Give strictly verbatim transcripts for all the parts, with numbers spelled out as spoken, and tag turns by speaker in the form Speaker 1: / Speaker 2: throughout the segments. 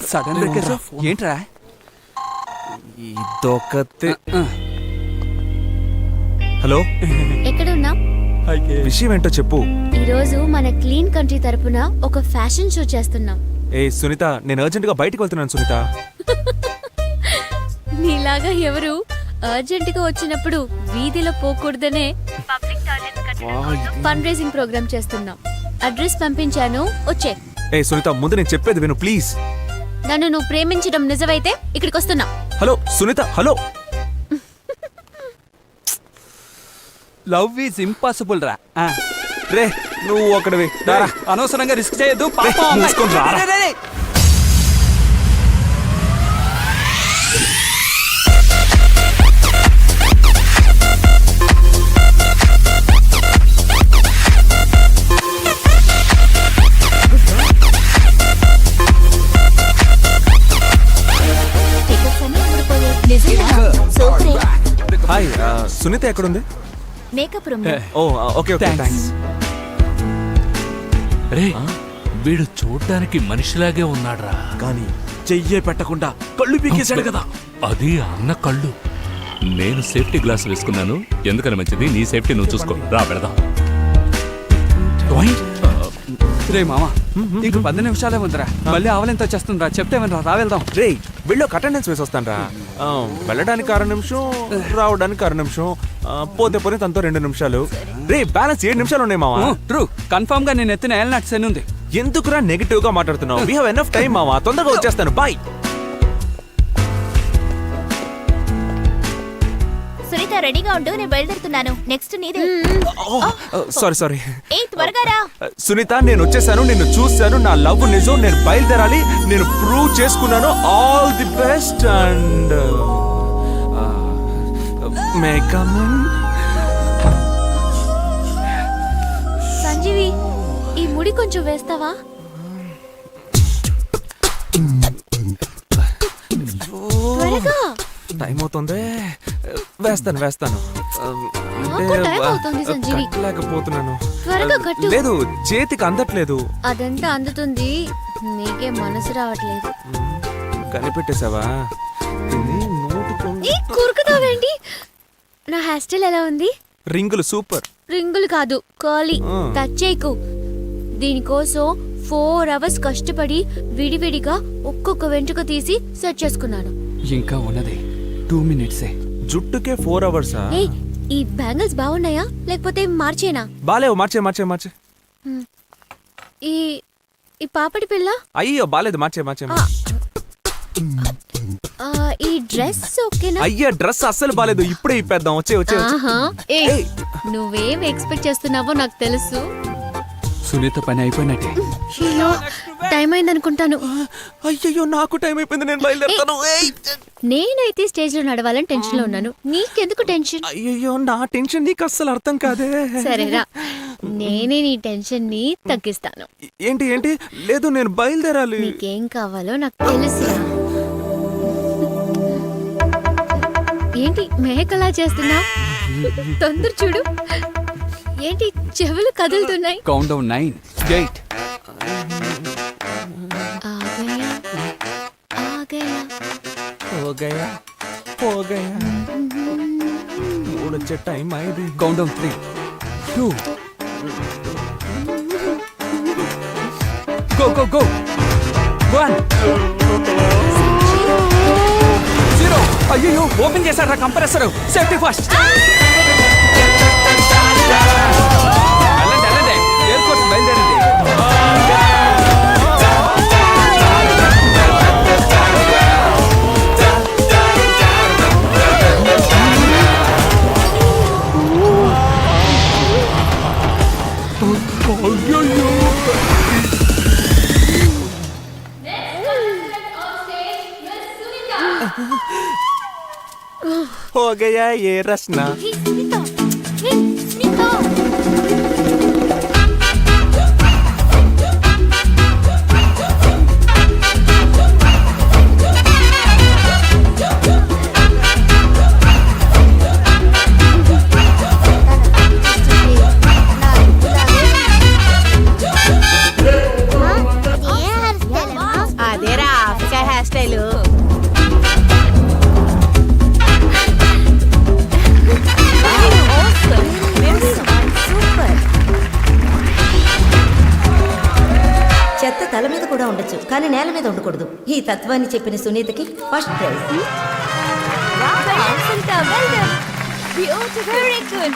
Speaker 1: Sudden brake ఏంట్రా?
Speaker 2: ఇదొకతే. Hello,
Speaker 3: ఎక్కడున్నా?
Speaker 2: విషయం ఏంటో చెప్పు.
Speaker 3: ఈ రోజు మన క్లీన్ కంట్రీ తరపున ఒక ఫ్యాషన్ షో చేస్తున్నాం.
Speaker 2: ఏ సునీత, నేను అర్జెంట్ గా బయటికి వెళ్తున్నాను సునీత.
Speaker 3: నీలాగా ఎవరు అర్జెంట్ గా వచ్చినప్పుడు వీధిలో పోకూడదనే పబ్లిక్ టాయిలెట్స్ కట్టడం ఫండ్ రైజింగ్ ప్రోగ్రామ్ చేస్తున్నాం. అడ్రస్ పంపించాను, వచ్చే.
Speaker 2: ఏ సునీత, ముందు నేను చెప్పేది విను ప్లీజ్.
Speaker 3: నన్ను నువ్వు ప్రేమించడం నిజమైతే ఇక్కడికి వస్తున్నా.
Speaker 2: Hello Sunitha, hello.
Speaker 1: Love is impossible రా.
Speaker 2: రే నువ్వు ఒకటివి,
Speaker 1: అనవసరంగా రిస్క్ చేయొద్దు.
Speaker 2: హాయ్, సునీత ఎక్కడుంది?
Speaker 3: Makeup room.
Speaker 2: Oh okay okay, thanks.
Speaker 4: రే, వీడు చూడ్డానికి మనిషిలాగే ఉన్నాడ్రా,
Speaker 2: కానీ చెయ్యే పెట్టకుండా కళ్ళు పీకేశాడు కదా.
Speaker 4: అది అన్న కళ్ళు. నేను సేఫ్టీ గ్లాస్ వేసుకున్నాను, ఎందుకని మంచిది. నీ సేఫ్టీ నువ్వు చూసుకో. రా పెడదాం.
Speaker 1: రే మామ, ఇంక పది నిమిషాలే ఉందిరా, మళ్ళీ ఆవలింత వచ్చేస్తుందిరా. చెప్తే రా, రా వెళ్దాం.
Speaker 2: రే వీళ్ళు ఒక అటెండెన్స్ వేసి వస్తాను రా. వెళ్ళడానికి అర నిమిషం, రావడానికి అర నిమిషం, పోతే పోతే తనతో రెండు నిమిషాలు. రే బ్యాలెన్స్ ఏడు నిమిషాలు ఉన్నాయి మావా.
Speaker 1: ట్రూ, కన్ఫర్మ్ గా నేను ఎత్తిన ఏళ్ళ నట్స్ అని ఉంది.
Speaker 2: ఎందుకురా నెగిటివ్ గా మాట్లాడుతున్నావు? వీ హావ్ ఎనఫ్ టైం మావా, తొందరగా వచ్చేస్తాను. బాయ్.
Speaker 3: సునీత రెడీగా ఉండు, నేను బయలుదేరుతున్నాను. నెక్స్ట్ నీదే.
Speaker 2: Sorry sorry.
Speaker 3: ఏ త్వరగా రా.
Speaker 2: సునీత, నేను వచ్చేసాను, నిన్ను చూశాను, నా లవ్ నిజం, నేను బయలుదేరాలి, నేను ప్రూవ్ చేసుకున్నాను. All the best and may come in.
Speaker 3: Sanjeevi, ఈ ముడి కొంచెం వేస్తావా? త్వరగా.
Speaker 2: టైం అవుతుంది, వేస్తాను వేస్తాను. లేకపోతున్నాను. లేదు, చేతికి అందట్లేదు.
Speaker 3: అదంతా అందుతుంది, నీకే మనసు రావట్లేదు.
Speaker 2: కనిపెట్టేసావా?
Speaker 3: కూరుకుతావేంటి? నా హెయిర్ స్టైల్ ఎలా ఉంది?
Speaker 2: రింగులు సూపర్.
Speaker 3: రింగులు కాదు, కర్లీ. టచ్ చేయకు. దీనికోసం ఫోర్ అవర్స్ కష్టపడి విడివిడిగా ఒక్కొక్క వెంట్రుక తీసి సెట్ చేసుకున్నాను.
Speaker 1: ఇంకా ఉన్నది టూ మినిట్సే.
Speaker 2: జుట్టుకే ఫోర్ అవర్సా?
Speaker 3: ఈ బ్యాంగిల్స్ బాగున్నాయా లేకపోతే మార్చేనా?
Speaker 2: బాలేవు, మార్చే మార్చే మార్చే.
Speaker 3: ఈ ఈ పాపడి పిల్ల?
Speaker 2: అయ్యో బాలేదు, మార్చే మార్చే.
Speaker 3: ఈ డ్రెస్ ఓకేనా?
Speaker 2: అయ్యా డ్రెస్ అస్సలు బాలేదు, ఇప్పుడే ఇప్పేద్దాం. వచ్చే వచ్చే.
Speaker 3: నువ్వేం ఎక్స్పెక్ట్ చేస్తున్నావో నాకు తెలుసు.
Speaker 1: సునీత పని అయిపోయినట్టే.
Speaker 3: టైం అయింది అనుకుంటాను.
Speaker 2: అయ్యో నాకు టైం అయిపోయింది, నేను బయలుదేరుతాను.
Speaker 3: నేనైతే స్టేజ్ లో నడవాలని టెన్షన్ లో ఉన్నాను, నీకెందుకు టెన్షన్?
Speaker 2: అయ్యో నా టెన్షన్ నీకు అస్సలు అర్థం కాదే.
Speaker 3: సరేరా, నేనే నీ టెన్షన్ ని తగ్గిస్తాను.
Speaker 2: ఏంటి ఏంటి? లేదు, నేను బయలుదేరాలి.
Speaker 3: నీకేం కావాలో నాకు తెలుసురా. ఏంటి మేకలా చేస్తున్నా? తొందర చూడు. ఏంటి చెవులు కదులుతున్నాయి?
Speaker 1: Count down nine, eight.
Speaker 2: వచ్చే టైం అయింది.
Speaker 1: Count down three, two, go go go, one, zero. అయ్యో ఓపెన్ చేశారా కంప్రెసర్? Safety first. ఎయిర్పోర్ట్ బయలుదేరింది.
Speaker 2: हो गया ये रचना.
Speaker 5: Hair style.
Speaker 6: సూపర్. చెత్త తల మీద కూడా ఉండొచ్చు కానీ నేల మీద ఉండకూడదు. ఈ తత్వాన్ని చెప్పిన సునీతకి ఫస్ట్ ప్రైజ్.
Speaker 3: Very good.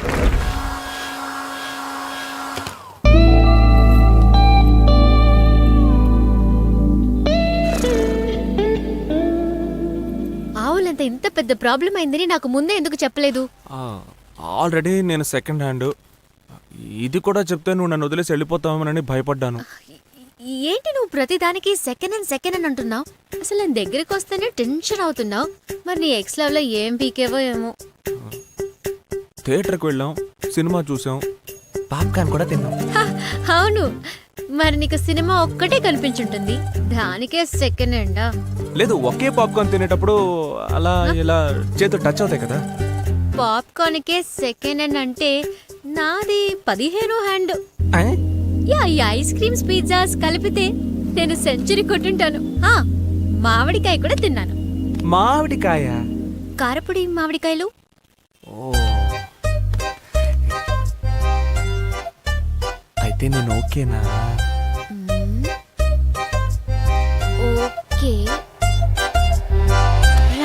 Speaker 3: ఆవులంత ఇంత పెద్ద ప్రాబ్లం అయిందని నాకు ముందే ఎందుకు చెప్పలేదు?
Speaker 2: ఆల్రెడీ నేను సెకండ్ హ్యాండ్. ఇది కూడా చెప్తే నువ్వు నన్ను వదిలేసి వెళ్ళిపోతామని భయపడ్డాను.
Speaker 3: ఏంటి నువ్వు ప్రతిదానికి సెకండ్ అండ్ సెకండ్ అని అంటున్నావు? అసలు నేను దగ్గరికి వస్తేనే టెన్షన్ అవుతున్నావు. మరి నీ ఎక్స్ లవ్ లో ఏం పీకేవో ఏమో.
Speaker 2: థియేటర్కి వెళ్ళాం, సినిమా చూసాం, పాప్కార్న్ కూడా తిన్నాం.
Speaker 3: హ, అవును. మరి నీకు సినిమా ఒక్కటే కనిపించుంటుంది, దానికే సెకండ్ హ్యాండా?
Speaker 2: లేదు, ఒకే పాప్కార్న్ తినేటప్పుడు అలా ఇలా చేతులు టచ్ అవుతాయి కదా.
Speaker 3: పాప్కార్న్కే సెకండ్ హ్యాండ్ అంటే నాది పదిహేను హ్యాండ్. యా, ఈ ఐస్ క్రీమ్స్ పిజ్జాస్ కలిపితే నేను సెంచరీ కొట్టుంటాను. ఆ, మామిడికాయ కూడా తిన్నాను.
Speaker 2: మామిడికాయ?
Speaker 3: కారపొడి మామిడికాయలు.
Speaker 2: ఓ, అయితే నేను ఓకేనా?
Speaker 3: మ్మ్. ఓకే రా.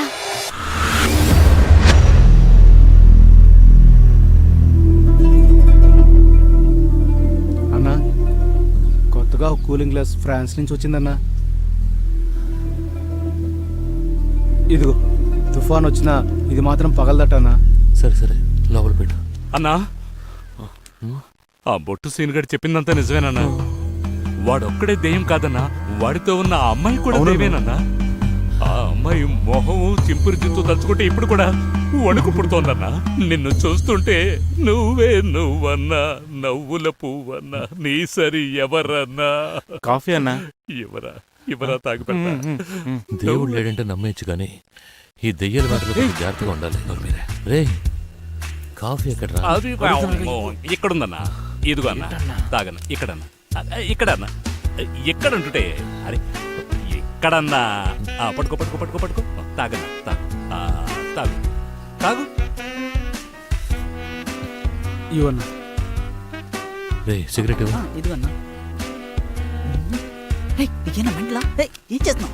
Speaker 7: అన్నా, కొత్తగా ఒక కూలింగ్ గ్లాస్ ఫ్రాన్స్ నుంచి వచ్చిందన్నా. ఇదిగో, తుఫాన్ వచ్చినా ఇది మాత్రం పగలదటన్నా.
Speaker 8: సరే సరే లోపల పెట్టు.
Speaker 4: అన్నా, ఆ బొట్టు సీన్ గడి చెప్పిందంతా నిజమేనన్నా. వాడొక్కడే దెయ్యం కాదన్నా, వాడితో ఉన్న ఆ అమ్మాయి కూడా
Speaker 7: అవునన్నా.
Speaker 4: దెయ్యమేనన్నా. ఆ అమ్మాయి మొహం చింపురు జిత్తు తలుచుకుంటే ఇప్పుడు కూడా వణుకు పుడుతోందన్నా. నిన్ను చూస్తుంటే నువ్వే నువ్వన్నా, నవ్వుల పువ్వన్నా, నీ సరి ఎవరన్నా?
Speaker 7: కాఫీ అన్నా.
Speaker 4: ఎవరా ఎవరా తాగి పెడతా.
Speaker 8: దేవుడు లేడంటే నమ్మేయచ్చు కానీ ఈ దెయ్యాల మాటలు జాగ్రత్తగా ఉండాలి. రే, కాఫీ ఎక్కడ రా?
Speaker 4: అది ఇక్కడుందన్నా. ఇదిగో అన్న, తాగన్న. ఇక్కడన్నా, అదే, ఇక్కడన్నా. ఎక్కడంటుంటే అరే ఇక్కడన్నా. ఆ, పట్టుకో పట్టుకో పట్టుకో పట్టుకో. తాగన్నా, తాగు. ఆ, తాగు తాగు.
Speaker 7: ఇవన్నా.
Speaker 8: రే, సిగరెట్ ఇవ్వు.
Speaker 5: ఇదిగన్నా. ఏనా మంటలా? ఏం చేస్తున్నావు?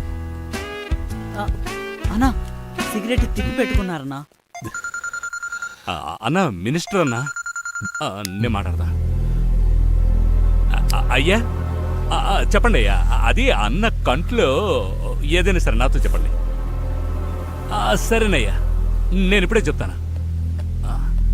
Speaker 5: అన్నా, సిగరెట్ తిప్పి పెట్టుకున్నారన్నా.
Speaker 4: ఆ, అన్న మినిస్టర్ అన్నా. ఆ, నేను మాట్లాడదా. ఆ, ఆ, అయ్యా, ఆ, ఆ, చెప్పండి అయ్యా. అది అన్న కంట్లో ఏదైనా సరే నాతో చెప్పండి. ఆ, సరేనయ్యా, నేను ఇప్పుడే చెప్తాను. ఆ,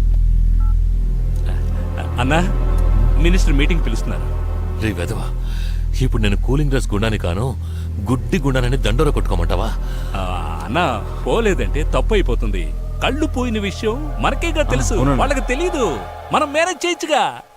Speaker 4: అన్నా, మినిస్టర్ మీటింగ్ పిలుస్తున్నారు.
Speaker 8: రే వెదవా, ఇప్పుడు నేను కూలింగ్ గ్లాస్ గుండాని కాను, గుడ్డి గుండానని దండోర కొట్టుకోమంటావా?
Speaker 4: ఆ, అన్న పోలేదంటే తప్పు అయిపోతుంది. కళ్ళు పోయిన విషయం మనకేగా తెలుసు,
Speaker 7: అవునండి.
Speaker 4: వాళ్ళకి తెలీదు. మనం మేనేజ్ చేయొచ్చుగా.